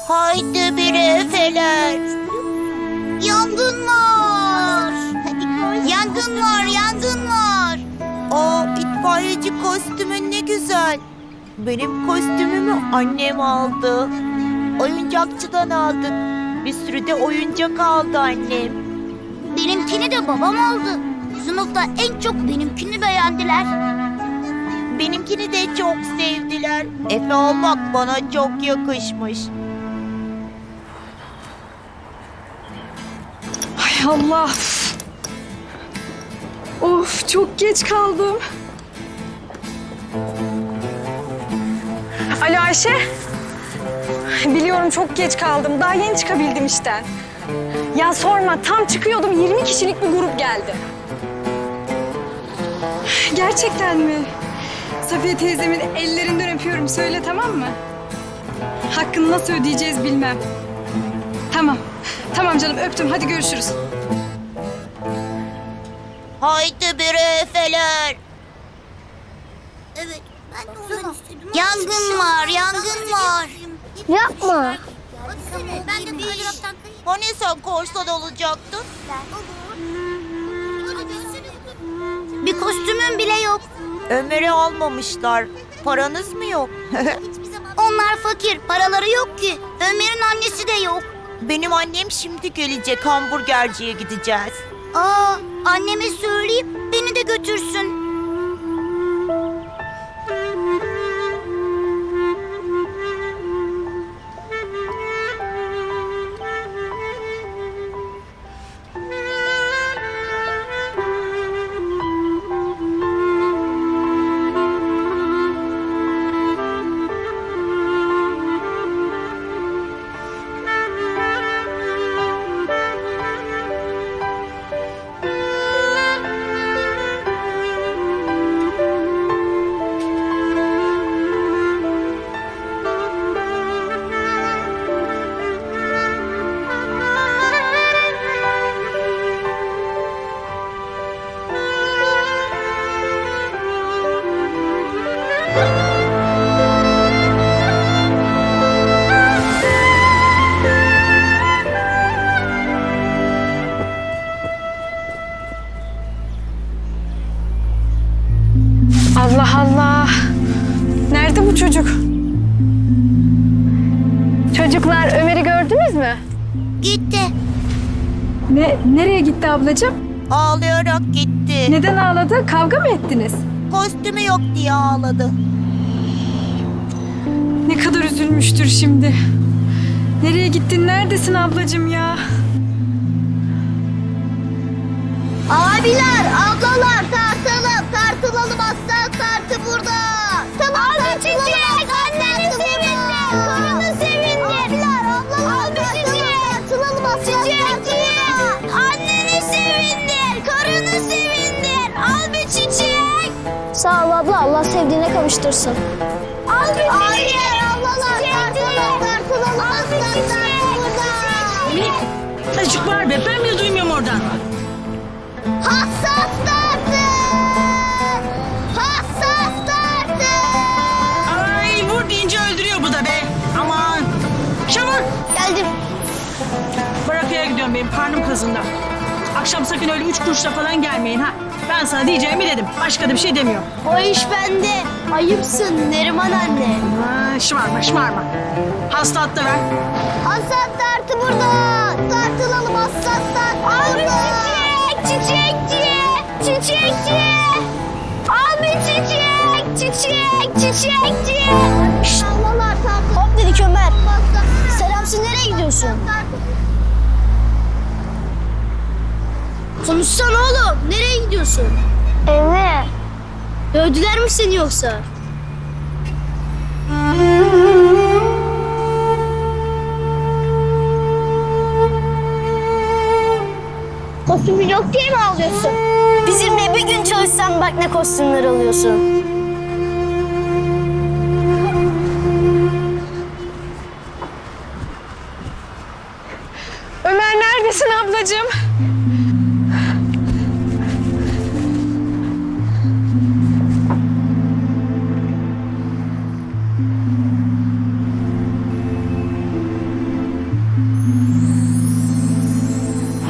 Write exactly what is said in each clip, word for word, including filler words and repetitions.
Haydi bir efeler. Yangın var. Yangın var, yangın var. Aa, itfaiyeci kostümün ne güzel. Benim kostümümü annem aldı. Oyuncakçıdan aldık. Bir sürü de oyuncak aldı annem. Benimkini de babam aldı. Sınıfta en çok benimkini beğendiler. Benimkini de çok sevdiler. Efe olmak bana çok yakışmış. Ay Allah. Of, çok geç kaldım. Alo Ayşe. Biliyorum çok geç kaldım. Daha yeni çıkabildim işten. Ya sorma, tam çıkıyordum yirmi kişilik bir grup geldi. Gerçekten mi? Safiye teyzemin ellerinden öpüyorum. Söyle, tamam mı? Hakkını nasıl ödeyeceğiz bilmem. Tamam. Tamam canım, öptüm. Hadi görüşürüz. Haydi bir efeler. Evet, ben de ondan istedim. Yangın var, yangın var. Yapma. Ben de bir Hani sen korsan olacaktın? Bir kostümüm bile yok. Ömer'i almamışlar. Paranız mı yok? Onlar fakir, paraları yok ki. Ömer'in annesi de yok. Benim annem şimdi gelecek, hamburgerciye gideceğiz. Aa, anneme söyleyeyim, beni de götürsün. Allah Allah. Nerede bu çocuk? Çocuklar, Ömer'i gördünüz mü? Gitti. Ne, nereye gitti ablacığım? Ağlayarak gitti. Neden ağladı? Kavga mı ettiniz? Kostümü yok diye ağladı. Ne kadar üzülmüştür şimdi. Nereye gittin? Neredesin ablacığım ya? Abiler, ablalar, tartılım, tartılalım aslan tartı burada. Tamam, abi çiçek, anneni sevindir, karını sevindir. Abiler, ablalar, tartılalım aslan tartı burada. Anneni sevindir, karını sevindir. Al bir çiçek. Sağ ol abla, Allah sevdiğine kavuştursun. Al bir çiçek. Abiler, ablalar, tartılalım, tartılalım aslan tartı burada. Çocuk var be, ben bile duymuyorum oradan. Hassas tartı! Hassas tartı! Ay vur deyince öldürüyor bu da be. Aman. Çabuk. Geldim. Barakaya gidiyorum, benim karnım kazındı. Akşam sakın öyle üç kuruşla falan gelmeyin ha. Ben sana diyeceğimi dedim. Başka da bir şey demiyorum. O iş bende. Ayıpsın Neriman anne. Ha, şımarma şımarma. Hasta hatta ver. Hassas tartı burada! Tartılalım hassas tartı burada! Çiçekçi! Çiçekçi! Al bir çiçek! Çiçek! Çiçekçi! Şşt! Hop dedik Ömer. Selamsın, nereye gidiyorsun? Konuşsana oğlum, nereye gidiyorsun? Eve. Dövdüler mi seni yoksa? Kostümün yok diye mi ağlıyorsun? Bizimle bir gün çalışsan bak ne kostümler alıyorsun. Ömer neredesin ablacığım?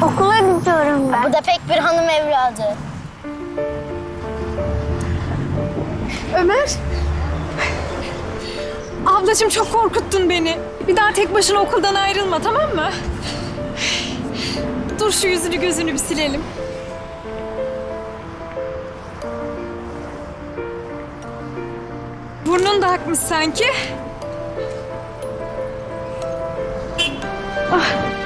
Okula gidiyorum ben. Bu da pek bir hanım evladı. Ömer. Ablacığım çok korkuttun beni. Bir daha tek başına okuldan ayrılma, tamam mı? Dur şu yüzünü gözünü bir silelim. Burnun da akmış sanki. Ah.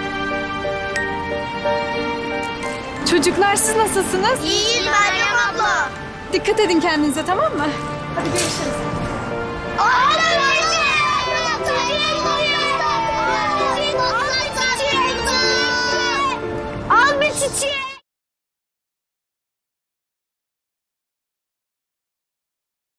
Çocuklar siz nasılsınız? İyiyiz Meryem abla. Dikkat edin kendinize, tamam mı? Hadi görüşürüz.